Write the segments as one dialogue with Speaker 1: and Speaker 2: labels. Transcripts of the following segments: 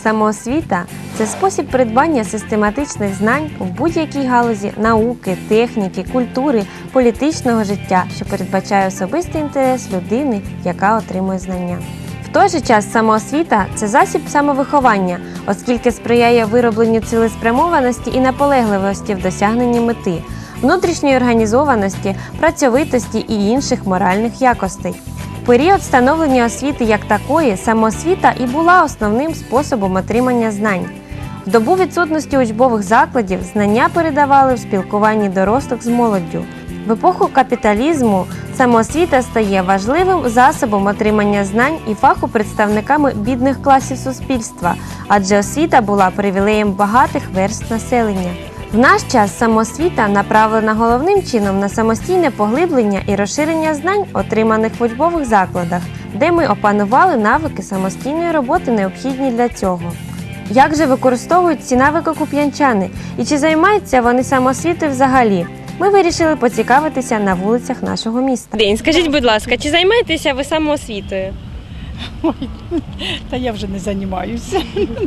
Speaker 1: Самоосвіта – це спосіб придбання систематичних знань в будь-якій галузі науки, техніки, культури, політичного життя, що передбачає особистий інтерес людини, яка отримує знання. В той же час самоосвіта – це засіб самовиховання, оскільки сприяє виробленню цілеспрямованості і наполегливості в досягненні мети, внутрішньої організованості, працьовитості і інших моральних якостей. В період становлення освіти як такої, самоосвіта і була основним способом отримання знань. В добу відсутності учбових закладів знання передавали в спілкуванні дорослих з молоддю. В епоху капіталізму самоосвіта стає важливим засобом отримання знань і фаху представниками бідних класів суспільства, адже освіта була привілеєм багатих верств населення. В наш час самоосвіта направлена головним чином на самостійне поглиблення і розширення знань, отриманих в учбових закладах, де ми опанували навики самостійної роботи, необхідні для цього. Як же використовують ці навики куп'янчани і чи займаються вони самоосвітою взагалі? Ми вирішили поцікавитися на вулицях нашого міста. Скажіть, будь ласка, чи займаєтеся ви самоосвітою?
Speaker 2: Ой, та я вже не займаюся.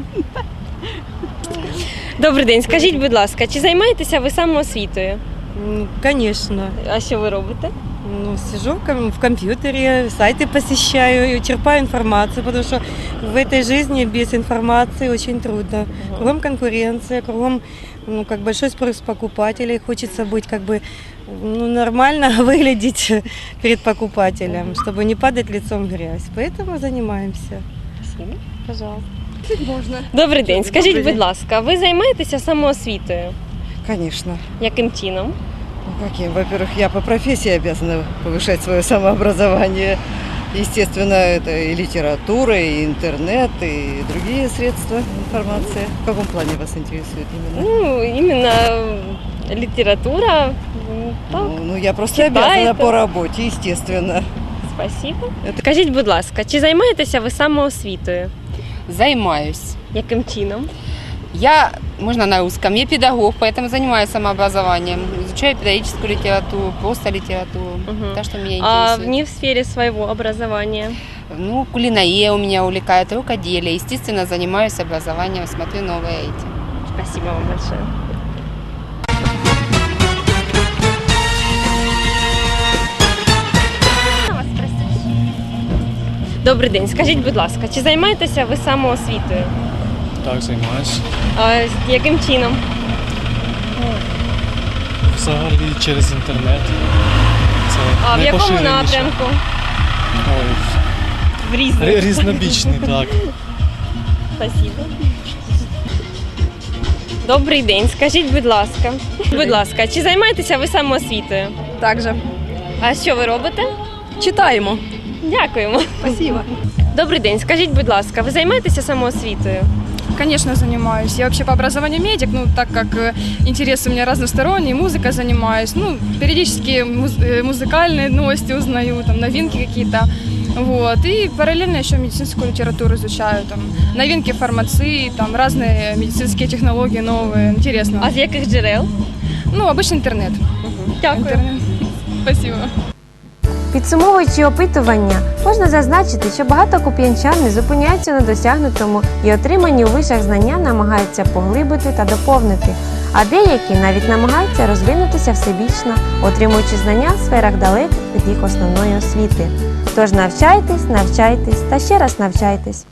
Speaker 1: Добрий день, скажіть, будь ласка, чи займаєтеся ви самоосвітою?
Speaker 3: Конечно.
Speaker 1: А що ви робите?
Speaker 3: Сижу в компьютере, сайты посещаю, черпаю информацию, потому что в этой жизни без информации очень трудно. Кругом конкуренция, кругом большой спрос покупателей. Хочется быть нормально выглядеть перед покупателем, чтобы не падать лицом в грязь. Поэтому занимаемся.
Speaker 1: Спасибо. Пожалуйста. Можна. Добрий день. Скажіть, будь ласка, ви займаєтеся самоосвітою?
Speaker 4: Конечно.
Speaker 1: Яким чином?
Speaker 4: Каким? Во-первых, я по профессии обязана повышать свое самообразование. Естественно, это и литература, и интернет, и другие средства информации. В каком плане вас интересует именно?
Speaker 1: Именно литература. Так.
Speaker 4: Я просто
Speaker 1: Читаєте?
Speaker 4: обязана по работе, естественно.
Speaker 1: Спасибо. Скажіть, будь ласка, чи займаєтеся ви самоосвітою?
Speaker 5: Занимаюсь.
Speaker 1: Яким чином?
Speaker 5: Можно на русском, я педагог, поэтому занимаюсь самообразованием. Изучаю педагогическую литературу, просто литературу. Так что меня
Speaker 1: А
Speaker 5: интересует.
Speaker 1: не в сфере своего образования?
Speaker 5: Кулинария у меня увлекает, рукоделие. Естественно, занимаюсь образованием, смотрю новое эти.
Speaker 1: Спасибо вам большое. Добрий день. Скажіть, будь ласка, чи займаєтеся ви самоосвітою?
Speaker 6: Так, займаюся.
Speaker 1: А яким чином?
Speaker 6: Взагалі через інтернет. Це
Speaker 1: А в якому
Speaker 6: найпоширеніше.
Speaker 1: напрямку?
Speaker 6: Ой,
Speaker 1: В різних.
Speaker 6: різнобічний, так.
Speaker 1: Спасибо. Добрий день. Скажіть, будь ласка, чи займаєтеся ви самоосвітою?
Speaker 2: Так же.
Speaker 1: А що ви робите?
Speaker 2: Читаємо.
Speaker 1: Дякуємо.
Speaker 2: Спасибо.
Speaker 1: Добрий день. Скажіть, будь ласка, ви займаєтеся самоосвітою?
Speaker 7: Конечно, занимаюсь. Я вообще по образованию медик, так как интерес у меня разносторонний, музыкой занимаюсь, периодически музыкальные новости узнаю, новинки какие-то. Вот. И параллельно еще медицинскую литературу изучаю, новинки фармации, разные медицинские технологии новые, интересно.
Speaker 1: А з яких джерел?
Speaker 7: Обычно интернет.
Speaker 1: Дякую.
Speaker 7: Интернет. Спасибо.
Speaker 1: Підсумовуючи опитування, можна зазначити, що багато куп'янчан не зупиняються на досягнутому і отримані у вишах знання намагаються поглибити та доповнити, а деякі навіть намагаються розвинутися всебічно, отримуючи знання в сферах далеких від їх основної освіти. Тож навчайтесь та ще раз навчайтесь.